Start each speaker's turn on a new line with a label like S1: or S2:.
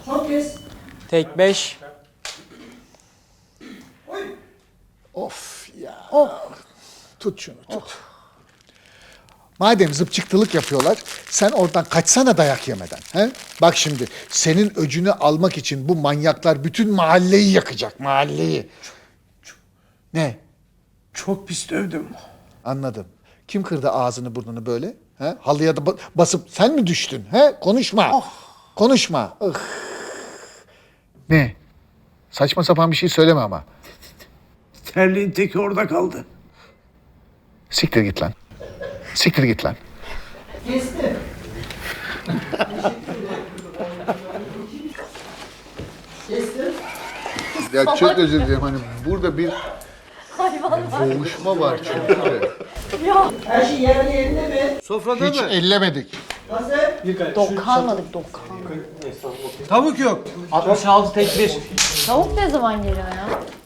S1: Son kez.
S2: Tek 5.
S3: Of ya. Tut şunu tut. Madem zıpçıktılık yapıyorlar, sen oradan kaçsana dayak yemeden. He? Bak şimdi, senin öcünü almak için bu manyaklar bütün mahalleyi yakacak, mahalleyi. Ne?
S1: Çok pis dövdüm.
S3: Anladım. Kim kırdı ağzını burnunu böyle? He? Halıya da basıp sen mi düştün? He? Konuşma. Konuşma. Ih. Ne? Saçma sapan bir şey söyleme ama.
S1: Terliğin teki orada kaldı.
S3: Siktir git lan. Siktir git lan.
S1: Kestim. Kestim.
S3: Ya çok özür dilerim, hani burada bir boğuşma var çünkü.
S1: Her şey yerli yerinde mi?
S4: Sofrada
S3: Hiç
S4: mı?
S3: ellemedik.
S1: Hazır.
S5: Dokanmadık.
S4: Tavuk yok.
S2: 66 tek 1.
S5: Tavuk ne zaman geliyor ya?